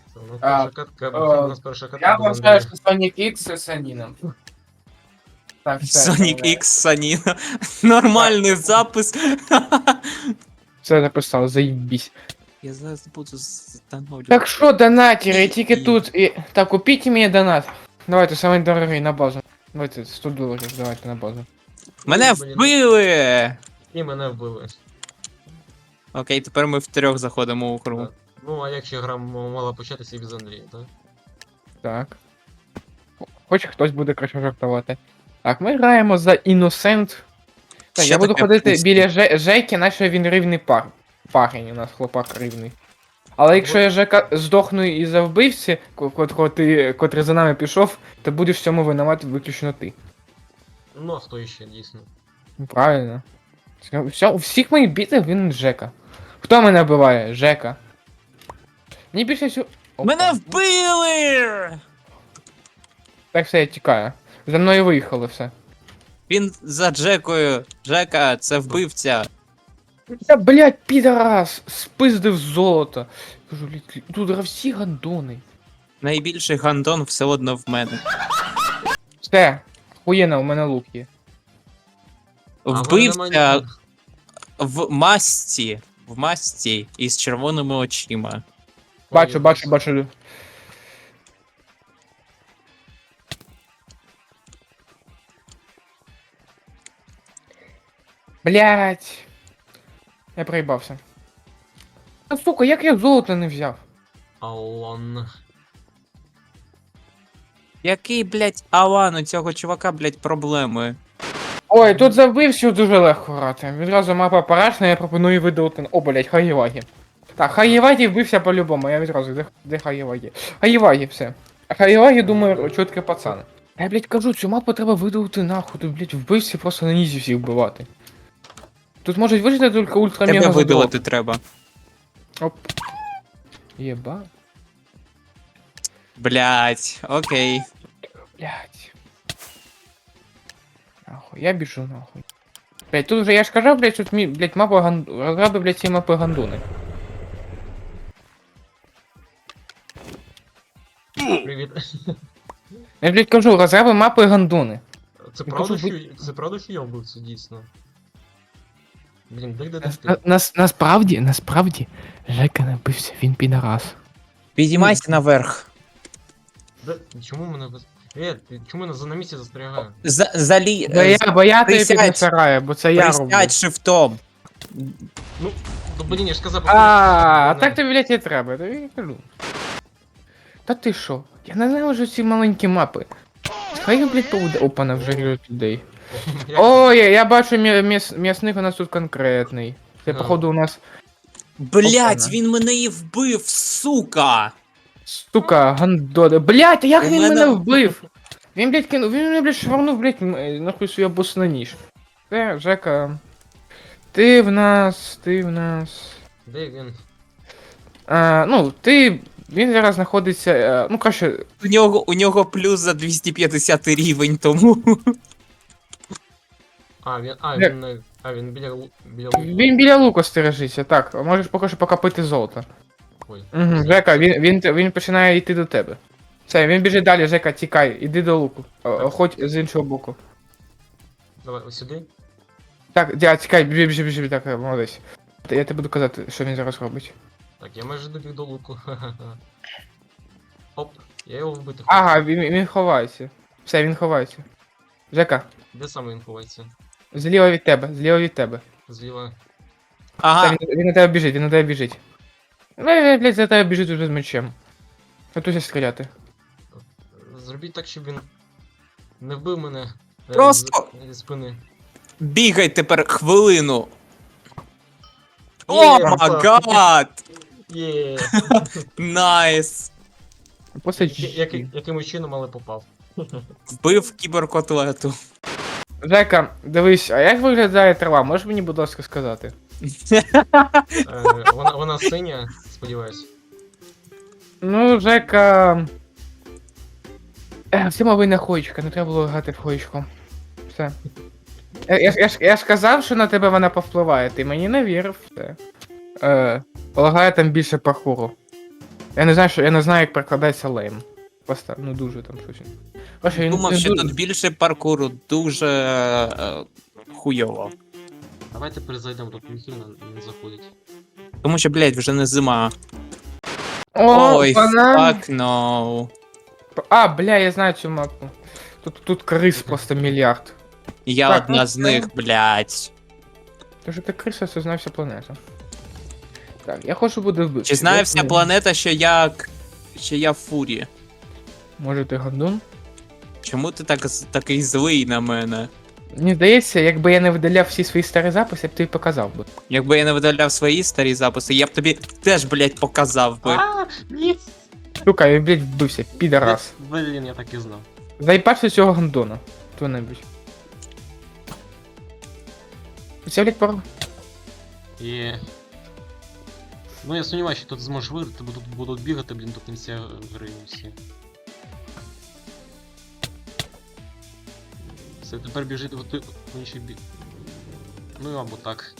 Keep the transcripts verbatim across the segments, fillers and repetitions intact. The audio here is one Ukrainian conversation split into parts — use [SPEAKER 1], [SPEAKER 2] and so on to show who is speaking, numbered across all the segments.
[SPEAKER 1] Це у нас
[SPEAKER 2] А,
[SPEAKER 1] перша катка,
[SPEAKER 2] е,
[SPEAKER 1] у нас перша катка
[SPEAKER 2] Я
[SPEAKER 1] без
[SPEAKER 2] вважаю,
[SPEAKER 1] Андрія.
[SPEAKER 2] що Sonic X з Саніном. Так, все.
[SPEAKER 3] Sonic
[SPEAKER 2] е,
[SPEAKER 3] X Саніна. Нормальний запис.
[SPEAKER 2] Все написав, заїбісь.
[SPEAKER 3] Я зараз буду встановлювати.
[SPEAKER 2] Так що, донатери, тільки
[SPEAKER 3] І-
[SPEAKER 2] тут. І... Так, купіть мені донат. Давайте, самий дорогий на базу. Давайте, сто доларів, давайте на базу.
[SPEAKER 3] Мене
[SPEAKER 1] Блін.
[SPEAKER 3] вбили!
[SPEAKER 1] І мене вбили.
[SPEAKER 3] Окей, тепер ми втрьох заходимо у кругу.
[SPEAKER 1] Так. Ну, а якщо гра м- мала початися і без Андрія, так?
[SPEAKER 2] Так. Хоч хтось буде краще жартувати. Так, ми граємо за Innocent. Так,
[SPEAKER 3] Що
[SPEAKER 2] я буду
[SPEAKER 3] таке
[SPEAKER 2] ходити
[SPEAKER 3] пусті?
[SPEAKER 2] біля Же- Жеки, наче він рівний пар. Парень у нас хлопак рівний. Але якщо я Жека здохну і за вбивці, ко- котрого ти, котрий за нами пішов, то будеш в цьому винувати виключно ти.
[SPEAKER 1] Ну, а хто іще, дійсно?
[SPEAKER 2] Ну, правильно. Все, все, у всіх моїх бітах він Жека. Хто мене вбиває? Жека. Мені більше всього. Опа.
[SPEAKER 3] Мене вбили!
[SPEAKER 2] Так все, я тікаю. За мною виїхало все.
[SPEAKER 3] Він за Джекою. Джека, це вбивця.
[SPEAKER 2] Та, блядь, підарас, спиздив золото. Кажу, «Лі- тут всі гандони.
[SPEAKER 3] Найбільший гандон все одно в мене.
[SPEAKER 2] Все, хуєна, у мене лук є.
[SPEAKER 1] А в мене
[SPEAKER 3] Вбивця
[SPEAKER 1] немає-
[SPEAKER 3] в масці. В масці із червоними очима.
[SPEAKER 2] Бачу,
[SPEAKER 1] Ой,
[SPEAKER 2] бачу, бачу. Блять. Я проїбався. Та сука, як я золото не взяв?
[SPEAKER 1] Алан.
[SPEAKER 3] Який, блять, Алан, у цього чувака, блять, проблеми.
[SPEAKER 2] Ой, тут за вбивцю дуже легко грати. Відразу мапа парашна, я пропоную видалити. О, блять, Хаєвагі. Так, Хаєвагі вбився по-любому, я відразу, де, де Хаєвагі? Хаєвагі, все. А Хаєвагі, думаю, чутки пацани. Я, блять, кажу, цю мапу треба видалити нахуй, тут, блять, вбивці просто на нізі всіх вбивати. Тут можуть вижити тільки ультра
[SPEAKER 3] Тебе
[SPEAKER 2] мега
[SPEAKER 3] видалити треба.
[SPEAKER 2] Оп. Єба.
[SPEAKER 3] Блять, окей.
[SPEAKER 2] Блять. Нахуй, я біжу нахуй. Блять, тут вже я ж казав, блять, тут мі, блять, мапа ган... розраби, блять, ці мапи гандони.
[SPEAKER 1] Привіт.
[SPEAKER 2] Я, блять, кажу, розраби мапи гандони.
[SPEAKER 1] Це
[SPEAKER 2] Я
[SPEAKER 1] правда,
[SPEAKER 2] кажу,
[SPEAKER 1] що, це правда, що я вбивця, дійсно? Блін, де де
[SPEAKER 2] Нас,
[SPEAKER 1] ти?
[SPEAKER 2] нас, насправді, насправді, Жека не бився, він підарас.
[SPEAKER 3] Підіймайся наверх.
[SPEAKER 1] Де? Чому мене без... Е, ти чому мене за на місці застрягає?
[SPEAKER 3] За, залі...
[SPEAKER 2] Бо я, бо я тобі
[SPEAKER 3] присядь.
[SPEAKER 2] піднасираю, бо це я роблю.
[SPEAKER 3] Присядь шифтом.
[SPEAKER 1] Ну, то блін, я ж сказав...
[SPEAKER 2] А, а
[SPEAKER 1] мене-
[SPEAKER 2] так тобі, блять, і треба, тобі і кажу. Та ти що? Я ненавижу ці маленькі мапи. Хай, блять, поведе. Опа, на вже ріжуть людей.
[SPEAKER 1] Як-
[SPEAKER 2] Ой, я, я бачу м'я- м'яс- м'ясник у нас тут конкретний. Це,
[SPEAKER 1] А.
[SPEAKER 2] походу, у нас,
[SPEAKER 3] Блять,
[SPEAKER 2] Опана.
[SPEAKER 3] він мене і вбив, сука!
[SPEAKER 2] сука, гандони. Блять, як
[SPEAKER 3] У
[SPEAKER 2] він
[SPEAKER 3] мене-
[SPEAKER 2] мене вбив? Він, блять, кинув, він мене, блять, шварнув, блять, м- е, нахуй свій бос на ніж. Це, Жека. Ти в нас, ти в нас.
[SPEAKER 1] Де він?
[SPEAKER 2] А, ну, ти. Він зараз знаходиться. е, Ну, краще.
[SPEAKER 3] У нього, у нього плюс за двісті п'ятдесят рівень, тому.
[SPEAKER 1] А, він, а,
[SPEAKER 2] Де?
[SPEAKER 1] він, не- а, він біля, лу- біля луку.
[SPEAKER 2] Він біля луку стережиться, так. Можеш поки що покопити золото.
[SPEAKER 1] Ой.
[SPEAKER 2] Угу, Жека, він, він, він починає йти до тебе. Все, він біжить далі, Жека, тікай, іди до луку. О, о, Хоч з іншого боку.
[SPEAKER 1] Давай, ось сюди.
[SPEAKER 2] Так, дя, тікай, біжи, біжи, біжи, так, е, молодець. Та я тобі буду казати, що він зараз робить.
[SPEAKER 1] Так, я майже добіг до луку. Ха-ха-ха. Оп, я його вбити хочу.
[SPEAKER 2] Ага, він, він ховається. Все, він ховається. Жека,
[SPEAKER 1] Де саме він ховається?
[SPEAKER 2] зліва від тебе, зліва від тебе.
[SPEAKER 1] Зліва.
[SPEAKER 2] Все,
[SPEAKER 3] Ага,
[SPEAKER 2] він, він на тебе біжить, він на тебе біжить. Ну, він, блядь, за тебе біжить уже з мечем. Готуйся стріляти.
[SPEAKER 1] Зробіть так, щоб він не вбив мене. е,
[SPEAKER 3] Просто-
[SPEAKER 1] з- Зі спини.
[SPEAKER 3] бігай тепер хвилину.
[SPEAKER 1] Є,
[SPEAKER 3] О
[SPEAKER 1] красавчик.
[SPEAKER 3] май
[SPEAKER 1] Є.
[SPEAKER 3] Найс.
[SPEAKER 2] Просто
[SPEAKER 1] Я- який- Якимось чином, але попав.
[SPEAKER 3] Вбив кіберкотлету.
[SPEAKER 2] Жека, дивись, а як виглядає трава? Можеш мені, будь ласка, сказати?
[SPEAKER 1] Е, Вона, вона синя, сподіваюсь.
[SPEAKER 2] Ну, Жека. Е, всі мови на хоєчка, не треба було грати в хоєчку. Все. Я, я, ж- я, ж- я ж казав, що на тебе вона повпливає, ти мені не вірив, все. Е, полагаю, там більше паркуру. Я не знаю, що я не знаю, як перекладається лейм. Просто, ну дуже там щось. Короче, він
[SPEAKER 3] Думав,
[SPEAKER 2] не
[SPEAKER 3] що
[SPEAKER 2] дуже-
[SPEAKER 3] тут більше паркуру, дуже е, хуйово.
[SPEAKER 1] Давайте перезайдемо, тут ніхто не, не заходить.
[SPEAKER 3] Тому що, блядь, вже не зима.
[SPEAKER 2] О,
[SPEAKER 3] Ой,
[SPEAKER 2] банан!
[SPEAKER 3] fuck no.
[SPEAKER 2] А, бля, я знаю цю мапу. Тут, тут крис просто мільярд.
[SPEAKER 3] Я
[SPEAKER 2] Так,
[SPEAKER 3] одна
[SPEAKER 2] ну,
[SPEAKER 3] з
[SPEAKER 2] це-
[SPEAKER 3] них, блядь.
[SPEAKER 2] Тож ти криса, це знає вся планета. Так, я хочу буде вбити.
[SPEAKER 3] Чи знає вся планета, що я. к- що я фурі?
[SPEAKER 2] Може ти гандун?
[SPEAKER 3] Чому ти так з- такий злий на мене?
[SPEAKER 2] Мені здається, якби я не видаляв всі свої старі записи, я б тобі показав би.
[SPEAKER 3] Якби я не видаляв свої старі записи, я б тобі теж, блядь, показав би.
[SPEAKER 1] А, ні!
[SPEAKER 2] Сука, я, блядь, вбився, підарас.
[SPEAKER 1] Блін, я так і знав.
[SPEAKER 2] Заїбався цього гандона. Хто-небудь. Це, блядь, пару.
[SPEAKER 1] І... Ну я сумніваюся, що тут зможеш виграти, бо тут будуть бігати, блін, до кінця гри всі. Все, тепер біжить в той- в інший бік. Ну або так.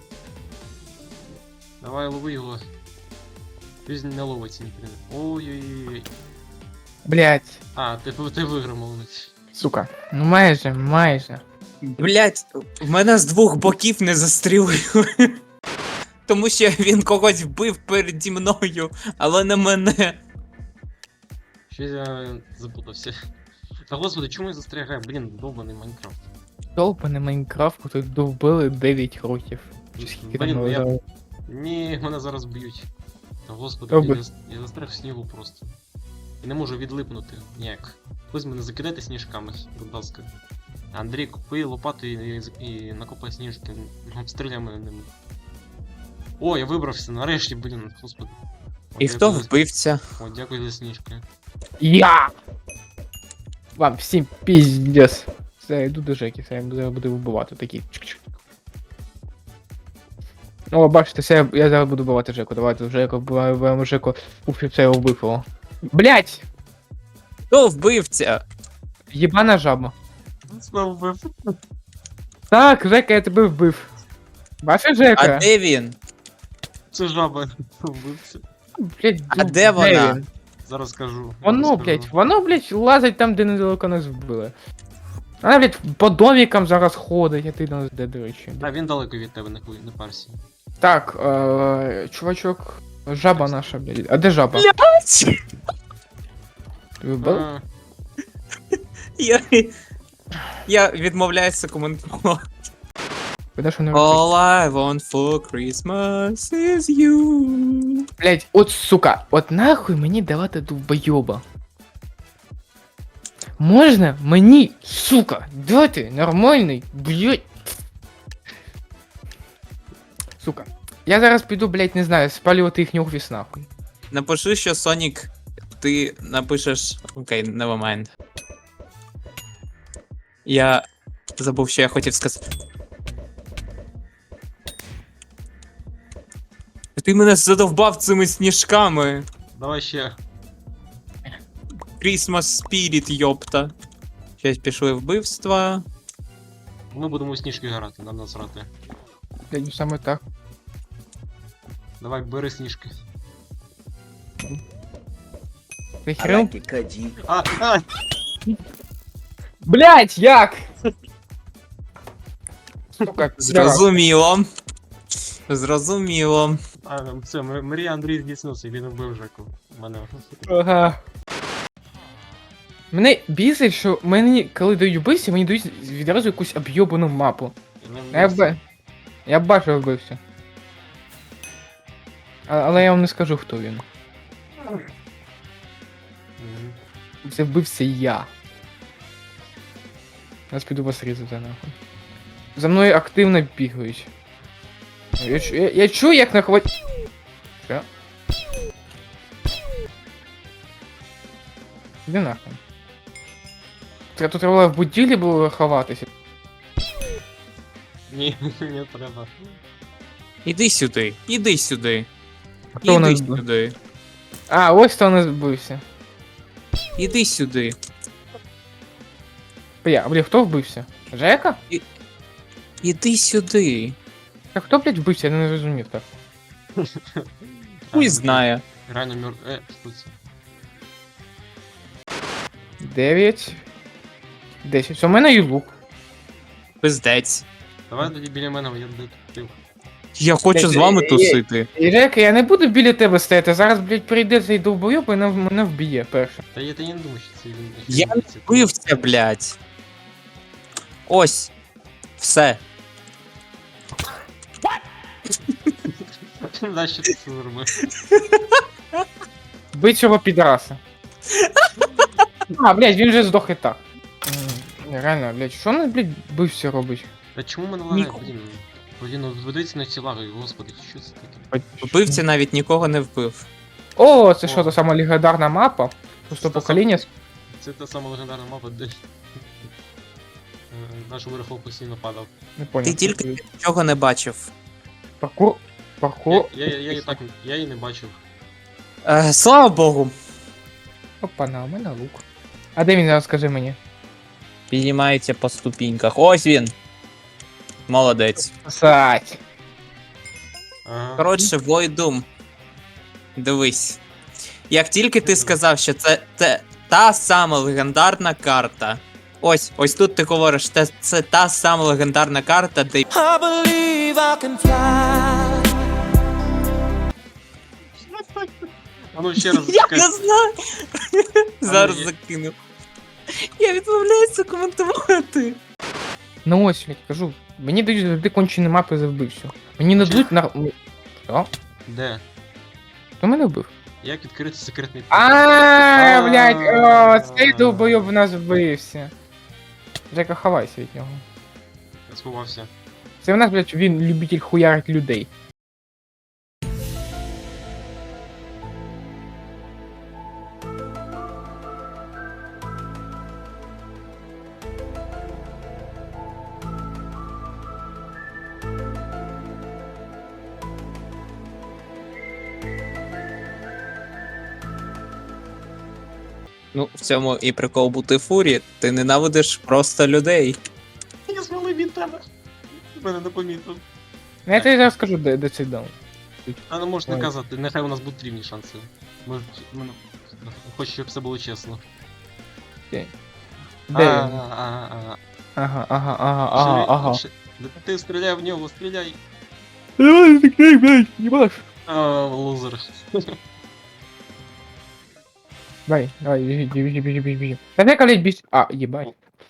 [SPEAKER 1] Давай лови його. Він не ловиться, ніхрена. Ой-ой-ой.
[SPEAKER 2] Блядь.
[SPEAKER 1] А, ти, ти виграв, молодець.
[SPEAKER 2] Сука. Ну майже, майже.
[SPEAKER 3] Блядь, в мене з двох боків не застрілили. Тому що він когось вбив переді мною, але не мене.
[SPEAKER 1] Щось я запутався. Та господи, чому я застрягаю? Блін, довбаний Майнкрафт.
[SPEAKER 2] Долбаний Майнкрафт, тут довбили дев'ять років. Чи скільки там
[SPEAKER 1] Блін, ну я...
[SPEAKER 2] було?
[SPEAKER 1] Ні, мене зараз б'ють. Та господи,
[SPEAKER 2] Добре.
[SPEAKER 1] я, зас- я застряг в снігу просто. І не можу відлипнути ніяк. Хтось мене закидайте сніжками, будь ласка. Андрій, купи лопату і, і, і накопай сніжки. Обстріляй мене ними. О, я вибрався, нарешті, блін, господи. О,
[SPEAKER 3] І хто
[SPEAKER 1] дякую за-
[SPEAKER 3] вбивця?
[SPEAKER 1] О, дякую за сніжки.
[SPEAKER 2] Я! Вам всім піздец. Все, я йду до Жеки, все, я буду, буду вбивати такі. Чик-чик. О, бачите, все, я, я зараз буду вбивати Жеку. Давайте Жеку, вбиваємо вбиваємо Жеку. Уф, все, я вбив його. Блять!
[SPEAKER 3] Хто вбивця?
[SPEAKER 2] Єбана жаба.
[SPEAKER 1] Знову вбив.
[SPEAKER 2] Так, Жека, я тебе вбив. Бачиш, Жека?
[SPEAKER 3] А де він?
[SPEAKER 1] Це жаба вбився.
[SPEAKER 2] Блять,
[SPEAKER 3] А де вона?
[SPEAKER 2] він?
[SPEAKER 1] Зараз скажу.
[SPEAKER 2] Воно,
[SPEAKER 1] зараз
[SPEAKER 2] блять,
[SPEAKER 1] скажу.
[SPEAKER 2] воно, блять, лазить там, де недалеко нас вбили. Вона, блять, по домікам зараз ходить, а ти нас де, до речі.
[SPEAKER 1] Та він далеко від тебе, не, хуй- не парся.
[SPEAKER 2] Так, е, чувачок, жаба наша, блядь. А де жаба?
[SPEAKER 3] Блядь!
[SPEAKER 2] Ти вбив?
[SPEAKER 1] А,
[SPEAKER 3] Я, я відмовляюся коментувати.
[SPEAKER 2] Куди ж вони втекли?
[SPEAKER 3] All I want for Christmas is you.
[SPEAKER 2] Блядь, от сука, от нахуй мені давати довбойоба. Можна мені, сука, дати нормальний, блядь. Сука. Я зараз піду, блядь, не знаю, спалювати їхній офіс нахуй.
[SPEAKER 3] Напиши, що Сонік, ти напишеш. Окей, never mind. Я забув, що я хотів сказати. Ти мене задовбав цими сніжками.
[SPEAKER 1] давай ще.
[SPEAKER 3] Christmas Spirit, йопта. Щось пішли вбивства.
[SPEAKER 1] Ми будемо у сніжки грати, нам насрати.
[SPEAKER 2] Блядь, ну саме так.
[SPEAKER 1] Давай, бери сніжки.
[SPEAKER 2] Ти хрен?
[SPEAKER 1] А, а!
[SPEAKER 2] Блядь, як? Сука,
[SPEAKER 3] Зрозуміло. Зрозуміло.
[SPEAKER 1] А, все, М- Марія Андрій здійснився, він вбив Жеку. Мене.
[SPEAKER 2] Ага. Мене бісить, що мені, коли дають вбивці, мені дають відразу якусь об'єбану мапу. Я б... Я бачив вбивця. А, але я вам не скажу, хто він.
[SPEAKER 1] Мгм.
[SPEAKER 2] Це вбивця я. Зараз піду вас різати нахуй. За мною активно бігають. Я, чу- я, я чую, як нахват... Що? Де нахуй? Треба тут треба в будівлі було ховатися.
[SPEAKER 1] Ні, не треба.
[SPEAKER 3] Іди сюди, іди сюди.
[SPEAKER 2] Хто у нас
[SPEAKER 3] Іди
[SPEAKER 2] був?
[SPEAKER 3] сюди.
[SPEAKER 2] А, ось хто у нас вбився.
[SPEAKER 3] Іди сюди.
[SPEAKER 2] Бля, бля, хто вбився? Жека?
[SPEAKER 3] Іди сюди.
[SPEAKER 2] Так хто, блядь, вбився? Я не зрозумів так.
[SPEAKER 3] Хуй знає.
[SPEAKER 1] Реально мер... Е, що це?
[SPEAKER 2] дев'ять. десять. У мене є лук.
[SPEAKER 3] Пиздець.
[SPEAKER 1] Давай тоді біля мене, я детектив.
[SPEAKER 3] Я хочу з вами тусити.
[SPEAKER 2] І Жека, я не буду біля тебе стояти. Зараз, блядь, прийде цей довбойоб і мене, мене вб'є перше.
[SPEAKER 1] Та я, та я не думаю, що це він.
[SPEAKER 3] Я не вбився, блядь. Ось. Все.
[SPEAKER 1] Да, що ти це зробив?
[SPEAKER 2] Бий цього підраса. А, блядь, він вже здох і так. М, Реально, блядь, що він, блядь, бився робить?
[SPEAKER 1] Та чому мене лагає,
[SPEAKER 3] Ніху-
[SPEAKER 1] блін? Блін, ну ведеться на ці лаги, господи, що це таке?
[SPEAKER 3] Вбивця навіть нікого не вбив.
[SPEAKER 2] О, це
[SPEAKER 1] О.
[SPEAKER 2] що, та сама легендарна мапа? Просто
[SPEAKER 1] Це
[SPEAKER 2] покоління.
[SPEAKER 1] Це та сама легендарна мапа, де е, наш Верхов постійно падав.
[SPEAKER 2] Не понял.
[SPEAKER 3] Ти тільки нічого не бачив.
[SPEAKER 2] Паркур. Паркур.
[SPEAKER 1] Я, я, я, її так, я її не бачив.
[SPEAKER 3] Е, слава Богу.
[SPEAKER 2] Опа, на, у мене лук. А де він зараз, скажи мені?
[SPEAKER 3] Піднімається по ступіньках. Ось він. Молодець.
[SPEAKER 2] Сать.
[SPEAKER 1] Ага.
[SPEAKER 3] Коротше, Войдум. Дивись. Як тільки ти сказав, що це, це та сама легендарна карта. Ось, ось тут ти говориш, це, це та сама легендарна карта, де
[SPEAKER 4] I believe I can fly.
[SPEAKER 1] А ну ще раз
[SPEAKER 3] Я
[SPEAKER 1] зачекай.
[SPEAKER 3] не знаю. Зараз
[SPEAKER 1] є.
[SPEAKER 3] закину. Я відмовляюся коментувати.
[SPEAKER 2] Ну ось, блядь, кажу. Мені дають завжди кончені мапи за вбивцю. Мені не дадуть на. Що?
[SPEAKER 1] Де?
[SPEAKER 2] Хто мене вбив?
[SPEAKER 1] Як відкрити секретний пункт?
[SPEAKER 2] А, блядь, о, цей довбойоб в нас вбився. Жека, ховайся від нього.
[SPEAKER 1] Я сховався.
[SPEAKER 2] Це в нас, блядь, він любитель хуярить людей.
[SPEAKER 3] Ну, в цьому і прикол бути фурі. Ти ненавидиш просто людей.
[SPEAKER 1] Я звалив від тебе. Мене не помітив.
[SPEAKER 2] Ну, я тобі зараз скажу, де, де цей дом.
[SPEAKER 1] А не можеш не
[SPEAKER 2] Ой.
[SPEAKER 1] казати, нехай у нас будуть рівні шанси. Може, мене... Хочу, щоб все було чесно.
[SPEAKER 2] Де
[SPEAKER 1] А,
[SPEAKER 2] він?
[SPEAKER 1] а, а, а.
[SPEAKER 2] Ага, ага, ага, ага,
[SPEAKER 1] Живи,
[SPEAKER 2] ага.
[SPEAKER 1] лучше. Детектив, стріляй в нього, стріляй.
[SPEAKER 2] Давай, закрий, блядь, ебаш.
[SPEAKER 1] А, лузер.
[SPEAKER 2] Давай, давай, бежи, бежи, бежи, бежи, бежи. Да Жека, блядь, бежи. А, ебать.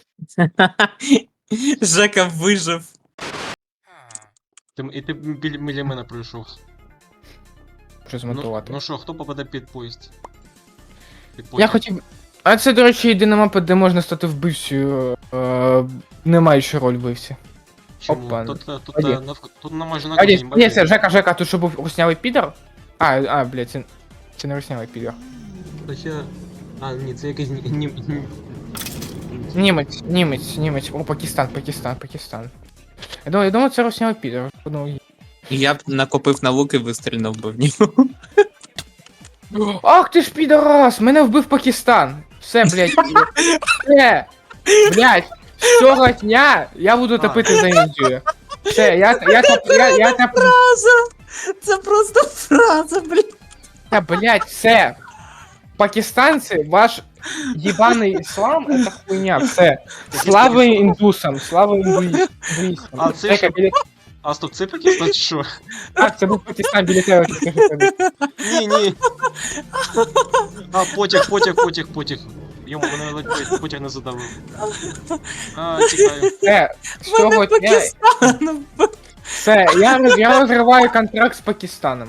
[SPEAKER 3] Жека вижив.
[SPEAKER 1] Ти, і ти біля, біля мене пройшов.
[SPEAKER 2] Що
[SPEAKER 1] Ну,
[SPEAKER 2] змонтувати?
[SPEAKER 1] ну що, хто попаде під поїзд? Під
[SPEAKER 2] Я
[SPEAKER 1] потяг?
[SPEAKER 2] хотів. А це, до речі, єдина мапа, де можна стати вбивцею, е, не маючи роль вбивці.
[SPEAKER 1] Чому?
[SPEAKER 2] Опа.
[SPEAKER 1] Тут, тут, тут,
[SPEAKER 2] А є.
[SPEAKER 1] навк... тут на майже на
[SPEAKER 2] А, ні,
[SPEAKER 1] кожній
[SPEAKER 2] ні,
[SPEAKER 1] мапі.
[SPEAKER 2] це Жека, Жека, тут що був руснявий підер? А, а, блядь, це, це не руснявий підер.
[SPEAKER 1] Хоча... А, ні, це якийсь... Ні, ні, ні.
[SPEAKER 2] Німець, німець, німець. О, Пакистан, Пакистан, Пакистан. Я думаю, я думаю, це руснявий підер. Ну,
[SPEAKER 3] Я б накопив на лук і вистрільнув би в нього.
[SPEAKER 2] ах ти ж підарас! Мене вбив Пакистан! Все, блядь. Все! Блядь! З цього дня я буду топити за Індію. Все, я, я, топ, я, я, топ,
[SPEAKER 3] Фраза! Це просто фраза, блін.
[SPEAKER 2] я, блядь, все. Пакистанцы, ваш ебаный ислам, это хуйня, все. Слава індусам, слава індуїстам.
[SPEAKER 1] А, це
[SPEAKER 2] Жека,
[SPEAKER 1] що?
[SPEAKER 2] біля...
[SPEAKER 1] А, стоп, це Пакистан чи що?
[SPEAKER 2] Так, це був Пакистан біля тебе. тільки що тобі.
[SPEAKER 1] Ні, ні. А, потяг, потяг, потяг, потяг. Йому мене ледь потяг не задавив. А, тікаю.
[SPEAKER 2] Все, з цього
[SPEAKER 3] Мене
[SPEAKER 2] дня...
[SPEAKER 3] Пакистан.
[SPEAKER 2] Все, я, роз- я розриваю контракт з Пакистаном.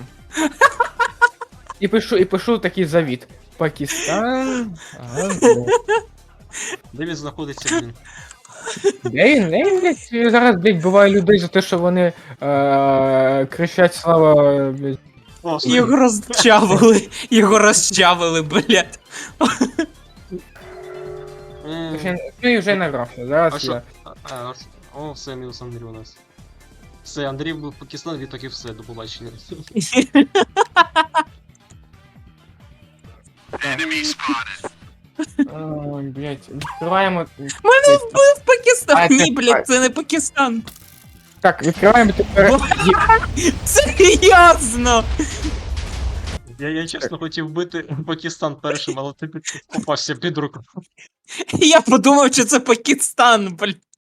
[SPEAKER 2] І пишу, і пишу такий завіт. Пакистан. Ага, ну.
[SPEAKER 1] Де він знаходиться, блін?
[SPEAKER 2] Де він? Де він, блядь, зараз, блядь, буває людей за те, що вони е- кричать слава, блядь.
[SPEAKER 1] О,
[SPEAKER 3] Його розчавили. Його розчавили, блядь.
[SPEAKER 1] М,
[SPEAKER 2] Ну і вже награв.
[SPEAKER 1] А
[SPEAKER 2] Зараз
[SPEAKER 1] що?
[SPEAKER 2] я.
[SPEAKER 1] А, а, ш- О, все, мінус Андрій у нас. Все, Андрій був Пакистан, відтак і все, до побачення.
[SPEAKER 2] Ой, блядь, відкриваємо.
[SPEAKER 3] Мене вбив
[SPEAKER 2] А,
[SPEAKER 3] Пакистан.
[SPEAKER 2] це-
[SPEAKER 3] Ні, блядь, це не Пакистан.
[SPEAKER 2] Так, відкриваємо тепер. Є-
[SPEAKER 3] Серйозно.
[SPEAKER 1] Я, я чесно хотів бити Пакистан першим, але ти під- попався під руку.
[SPEAKER 3] Я подумав, що це Пакистан, блін.